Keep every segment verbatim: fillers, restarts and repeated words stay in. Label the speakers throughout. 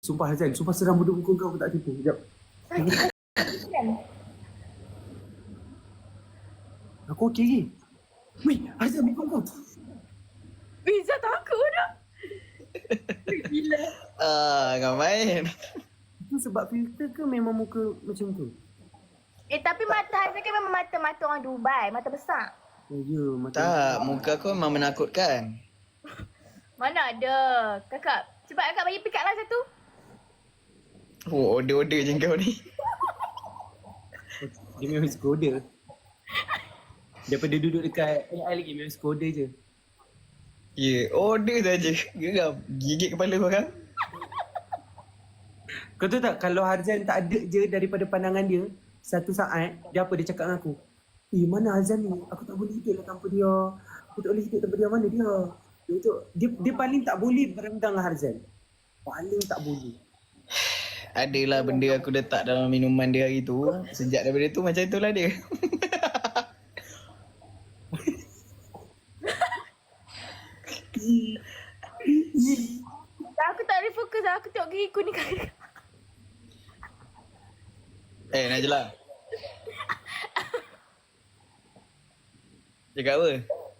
Speaker 1: Sumpah Hazan, sumpah seram bodoh muka kau, aku tak tipu. Sekejap. Aku okey lagi. Weh, Hazan muka kau.
Speaker 2: Izzah takut dah. Gila.
Speaker 3: Ah, kau main.
Speaker 1: Itu sebab filter ke memang muka macam tu?
Speaker 2: Eh tapi mata Hazan kan memang mata-mata orang Dubai. Mata besar.
Speaker 1: Oh ya, mata.
Speaker 3: Tak, muka kau memang menakutkan.
Speaker 2: Mana ada. Kakak, cepat kakak bagi pick up lah satu.
Speaker 3: Oh, order-order je kau ni.
Speaker 1: Dia memang skoda. Daripada duduk dekat A I lagi memang skoda je.
Speaker 3: Ya, yeah, order saja. Geram. Gigit kepala orang.
Speaker 1: Kau tahu tak, kalau Harzan tak ada je daripada pandangan dia, satu saat, dia apa dia cakap dengan aku? Eh, mana Harzan ni? Aku tak boleh hidup lah tanpa dia. Aku tak boleh hidup tanpa dia. Mana dia? Dia, tu, dia, dia paling tak boleh berendang dengan Harzan. Paling tak boleh.
Speaker 3: Adalah benda aku letak dalam minuman dia hari tu. Sejak daripada tu macam itulah dia.
Speaker 2: Aku tak boleh fokus lah. Aku tengok gigi aku ni kan.
Speaker 3: Eh, Najla. Cakap apa?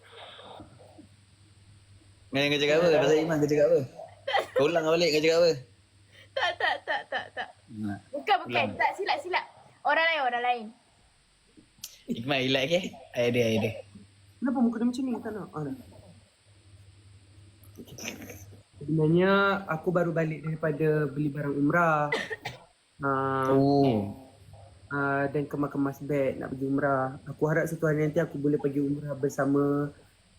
Speaker 3: Kau kau cakap apa? Pasal Iman kau cakap apa? Kau ulang balik kau cakap apa?
Speaker 2: Tak, tak, tak, tak, tak.
Speaker 3: Nah.
Speaker 2: Bukan, bukan.
Speaker 3: Ulang.
Speaker 2: Tak, silap, silap. Orang lain, orang lain.
Speaker 3: Iqmal, relax ke? Air dia, air dia.
Speaker 1: Kenapa muka dia macam ni? Tak nak. Ah, dah. Okay. Sebenarnya aku baru balik daripada beli barang umrah. Uh,
Speaker 3: Oh.
Speaker 1: uh, dan kemas-kemas beg nak pergi umrah. Aku harap satu hari nanti aku boleh pergi umrah bersama.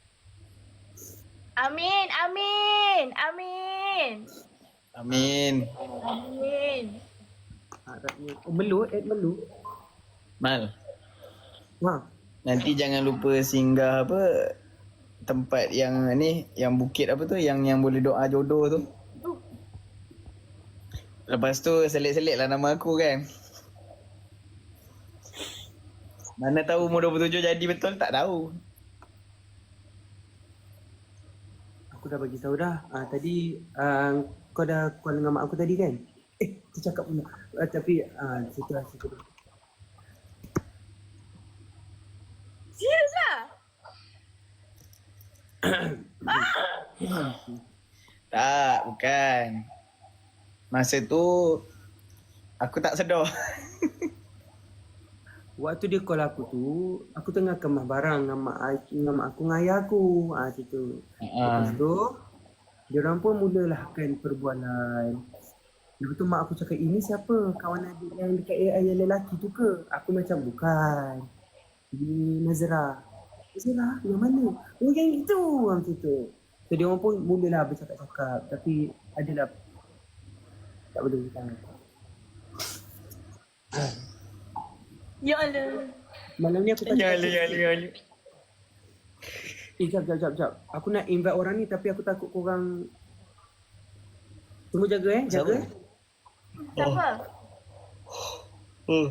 Speaker 2: Amin, amin, amin.
Speaker 3: Amin.
Speaker 2: Amin.
Speaker 1: Harapnya. Oh, Melu, Ed Melu.
Speaker 3: Mal,
Speaker 1: Ha.
Speaker 3: nanti jangan lupa singgah apa tempat yang ni, yang bukit apa tu, yang yang boleh doa jodoh tu.
Speaker 2: Tu.
Speaker 3: Lepas tu selit-selit lah nama aku kan. Mana tahu umur dua puluh tujuh jadi betul, tak tahu.
Speaker 1: Aku dah bagi tahu dah. Ah, tadi uh, kau dah call dengan mak aku tadi kan? Eh, tercakap pula. Uh, tapi ah, situ lah, situ lah.
Speaker 2: Serius lah?
Speaker 3: Tak, bukan. Masa tu aku tak sedar.
Speaker 1: Waktu dia call aku tu, aku tengah kemas barang dengan mak, I- dengan mak aku dengan ayah aku. Ah, situ. Lepas tu, diorang pun mulalah kan perbualan. Lepas tu mak aku cakap, ini siapa? Kawan adik yang dekat A I yang lelaki tu ke? Aku macam, bukan. Ini Nazra. Nazra, yang mana? Oh, yang itu. Macam tu. So, diorang pun mulalah bercakap-cakap. Tapi, adalah tak boleh beritahu.
Speaker 2: Ya Allah.
Speaker 1: Malam ni aku tak
Speaker 3: Ya Allah, ya Allah, ya Allah.
Speaker 1: Eh, jap, jap, jap, jap. Aku nak invite orang ni tapi aku takut korang... Tunggu jaga eh, jaga.
Speaker 2: Siapa?
Speaker 3: Oh.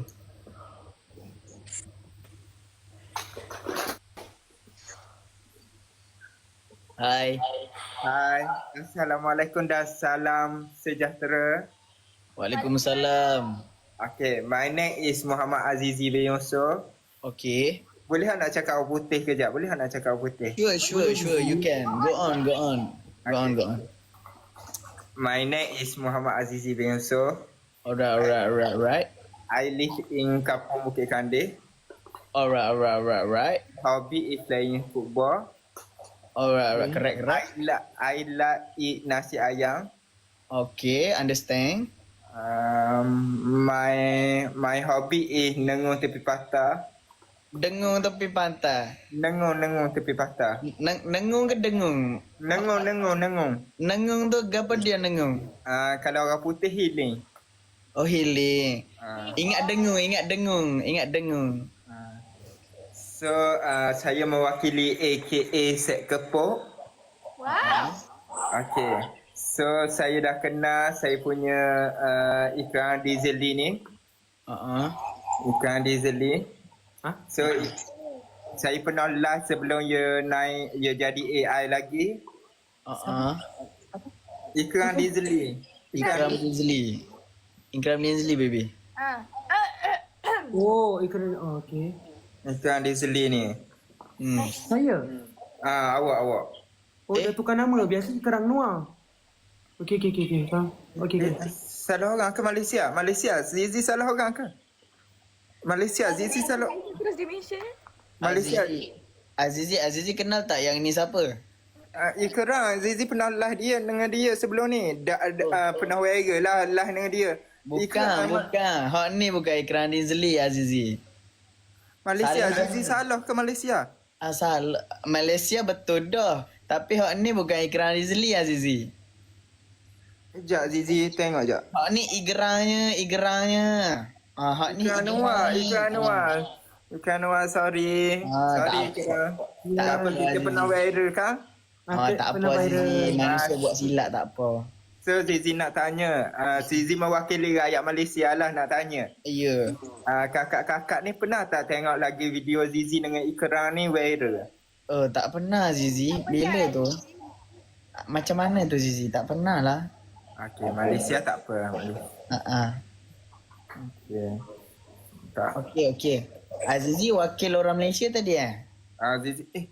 Speaker 3: Hai.
Speaker 4: Hai, Assalamualaikum dan salam sejahtera.
Speaker 3: Waalaikumsalam.
Speaker 4: Okay, my name is Muhammad Azizi bin Yusof.
Speaker 3: Okay.
Speaker 4: Boleh tak nak cakap orang putih kejap? Boleh tak nak cakap orang putih?
Speaker 3: Sure, sure, sure. You can. Go on, go on. Go on, go on.
Speaker 4: My name is Muhammad Azizi bin Yusof.
Speaker 3: Alright, alright, alright, alright.
Speaker 4: I live in Kampung Bukit Kandih.
Speaker 3: Alright, alright, alright, alright.
Speaker 4: Hobby is playing football.
Speaker 3: Alright, alright. Correct,
Speaker 4: I
Speaker 3: correct.
Speaker 4: like, I like eat nasi ayam.
Speaker 3: Okay, understand.
Speaker 4: Um, my my hobby is nengung tepi patah.
Speaker 3: Dengung tepi pantai.
Speaker 4: Nengung nengung tepi patah.
Speaker 3: Neng nengung ke dengung?
Speaker 4: Nengung nengung nengung.
Speaker 3: Nengung tu apa dia nengung?
Speaker 4: Uh, kalau orang putih healing.
Speaker 3: Oh, healing.
Speaker 4: Uh,
Speaker 3: Ingat dengung, ingat dengung, ingat dengung.
Speaker 4: uh. So uh, saya mewakili A K A Set Kepok.
Speaker 2: Wow.
Speaker 4: Okay. So saya dah kenal saya punya uh, iklan Dizeli ni.
Speaker 3: Uh-uh.
Speaker 4: Iklan Dizeli.
Speaker 1: Ha?
Speaker 4: So i- saya pernah live sebelum dia naik, dia jadi A I lagi.
Speaker 3: Uh-uh.
Speaker 4: Iklan Dizeli.
Speaker 3: Ikram Dinsley. Ikram Dinsley baby.
Speaker 2: Ah.
Speaker 1: Oh, ikran. Oh, okay.
Speaker 4: Ikram Dinsley ni.
Speaker 3: Hmm.
Speaker 1: Saya?
Speaker 4: Ah, awak, awak.
Speaker 1: Oh,
Speaker 3: Eh?
Speaker 1: dah tukar nama. Biasa Kerang Noir. Okey, okey, okey. Okay. Faham. Okey,
Speaker 4: Eh,
Speaker 1: okey.
Speaker 4: salah orang ke Malaysia? Malaysia. Zizi salah orang ke? Malaysia. Zizi salah.
Speaker 2: Terus dia mention.
Speaker 4: Malaysia.
Speaker 3: Azizi. Azizi, Azizi kenal tak yang ni siapa?
Speaker 4: Uh, Ikram, Zizi pernah live dia dengan dia sebelum ni. Da, da, uh, pernah viral lah live dengan dia.
Speaker 3: Bukan,
Speaker 4: Ikram,
Speaker 3: bukan. Hak ni bukan Ikram Dinsley, Azizi.
Speaker 4: Malaysia.
Speaker 3: Salah.
Speaker 4: Zizi salah ke Malaysia?
Speaker 3: Asal Malaysia betul dah. Tapi hak ni bukan Ikram Dinsley, Azizi.
Speaker 4: Sekejap Zizi tengok sekejap.
Speaker 3: Hak ni igeranya, igeranya. Ah, hak ni
Speaker 4: Ikram Noir,
Speaker 3: igeranya.
Speaker 4: Ikram Noir. Ikram Noir, sorry.
Speaker 3: Ah,
Speaker 4: sorry
Speaker 3: tak
Speaker 4: Ikram.
Speaker 3: Tak
Speaker 4: Tak apa,
Speaker 3: apa,
Speaker 4: kita
Speaker 3: Azizi.
Speaker 4: pernah viral kan?
Speaker 3: Ah, tak apa Azizi. Manusia buat silap tak apa.
Speaker 4: So Zizi nak tanya, uh, Zizi mewakili rakyat Malaysia lah nak tanya.
Speaker 3: Ya.
Speaker 4: Uh, kakak-kakak ni pernah tak tengok lagi video Zizi dengan Ikram ni viral?
Speaker 3: Oh, tak pernah Zizi. Bila tu? Macam mana tu Zizi? Tak pernah lah.
Speaker 4: Okey, Malaysia tak apa. Malaysia.
Speaker 3: Ha ah.
Speaker 4: Okey. Tak.
Speaker 3: Okey, okey. Azizi wakil orang Malaysia tadi eh?
Speaker 4: Ah, Zizi, eh.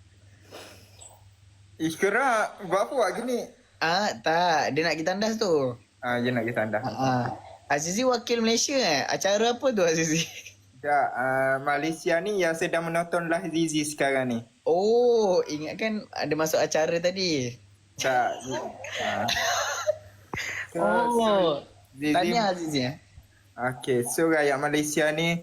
Speaker 4: Ikram, buat apa buat gini?
Speaker 3: Ah, tak. Dia nak kita tandas tu.
Speaker 4: Ah, dia nak kita anda.
Speaker 3: Ha ah. Azizi wakil Malaysia eh? Acara apa tu Azizi?
Speaker 4: Tak, uh, Malaysia ni yang sedang menonton live Zizi sekarang ni.
Speaker 3: Oh, ingatkan ada masuk acara tadi.
Speaker 4: Tak. Ah. So,
Speaker 3: Oh.
Speaker 4: Zizi,
Speaker 3: Tanya Azizi eh?
Speaker 4: Okey, so rakyat Malaysia ni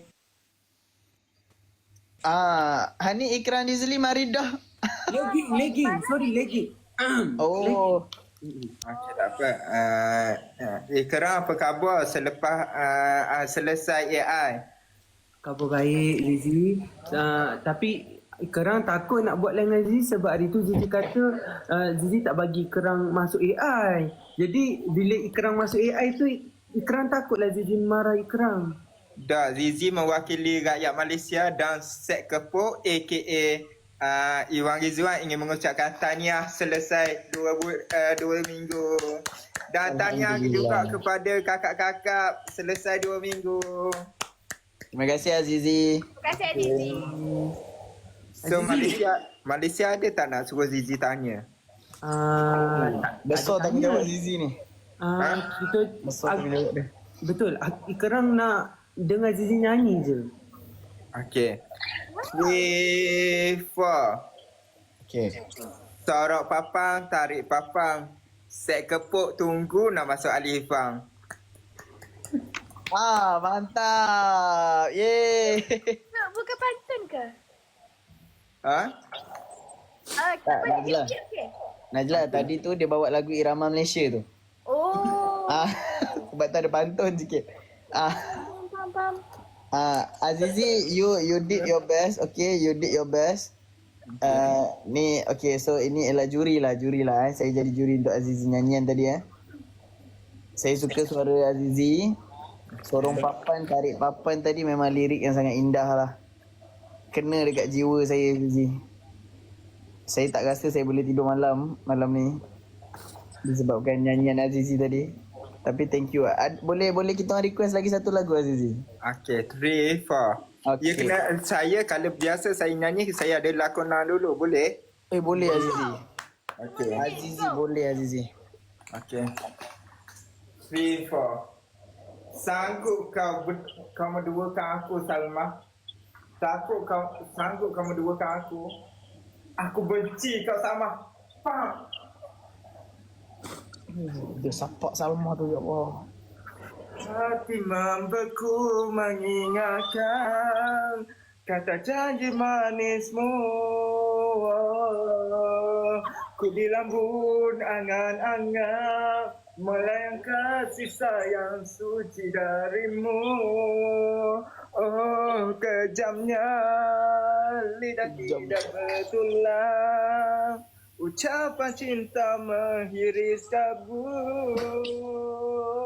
Speaker 3: Ah, Hani Ikram Dinsley mari dah.
Speaker 1: Legging, legging. Sorry, legging.
Speaker 3: Oh.
Speaker 4: okey tak apa. Uh, uh, Ikram apa khabar selepas uh, uh, selesai A I?
Speaker 1: Khabar baik, Zizi. Uh, tapi Kerang takut nak buat lain dengan Zizi sebab hari tu Zizi kata uh, Zizi tak bagi Kerang masuk A I. Jadi bila Kerang masuk A I tu, Kerang takutlah Zizi marah Kerang.
Speaker 4: Dah, Zizi mewakili rakyat Malaysia dan Set Kepok aka uh, Iwan Rizwan ingin mengucapkan tahniah selesai dua, bu- uh, dua minggu. Dan tahniah juga kepada kakak-kakak selesai dua minggu.
Speaker 3: Terima kasih Azizi.
Speaker 2: Terima kasih Azizi.
Speaker 4: So Malaysia Malaysia ada tak nak suruh Zizi tanya?
Speaker 1: Uh, tak,
Speaker 3: Besar
Speaker 1: tak ada
Speaker 3: tanggungjawab
Speaker 1: tanya.
Speaker 3: Azizi ni.
Speaker 1: Uh, kita
Speaker 3: Besar
Speaker 1: ag-
Speaker 3: tanggungjawab dia.
Speaker 1: betul. Kerang nak dengar Zizi nyanyi je.
Speaker 4: Okay. Three, four.
Speaker 3: Okay.
Speaker 4: Sorok papang, tarik papang. Set Kepok tunggu nak masuk Alifang.
Speaker 3: Ah, mantap. Yeay.
Speaker 2: Nak bukan pantun ke?
Speaker 4: Ha?
Speaker 2: Ah,
Speaker 3: Tak,
Speaker 2: apa
Speaker 3: Najla.
Speaker 2: dia? Okey.
Speaker 3: Najla, tadi tu dia bawa lagu Irama Malaysia tu.
Speaker 2: Oh.
Speaker 3: Ah, sebab tu ada pantun sikit. Ah,
Speaker 2: Faham, faham, faham.
Speaker 3: ah, Azizi, you you did your best. Okay, you did your best. Uh, ni okay, so ini ialah juri lah, juri lah. Eh. Saya jadi juri untuk Azizi nyanyian tadi eh. Saya suka suara Azizi. Sorong papan, tarik papan tadi memang lirik yang sangat indah lah. Kena dekat jiwa saya Azizi. Saya tak rasa saya boleh tidur malam malam ni disebabkan nyanyian Azizi tadi. Tapi thank you. Ad, boleh boleh kita orang request lagi satu lagu Azizi.
Speaker 4: Okay, three, four.
Speaker 3: Okay.
Speaker 4: You kena, saya kalau biasa saya nyanyi, saya ada lakonan dulu, boleh?
Speaker 3: Eh boleh Azizi.
Speaker 4: Okay.
Speaker 3: Azizi boleh Azizi.
Speaker 4: Okay. Three, four. Sanggup kau ber, kau menduakan aku, Salma? Takut kau sanggup kau menduakan aku? Aku benci kau, Salma. Faham?
Speaker 3: Dia sapak Salma tu ya Allah.
Speaker 4: Hati membeku mengingatkan kata janji manismu. Ku di lambun angan-angan melayang kasih sayang suci darimu. Oh, kejamnya lidah tidak betulan. Ucapan cinta menghiris kabut.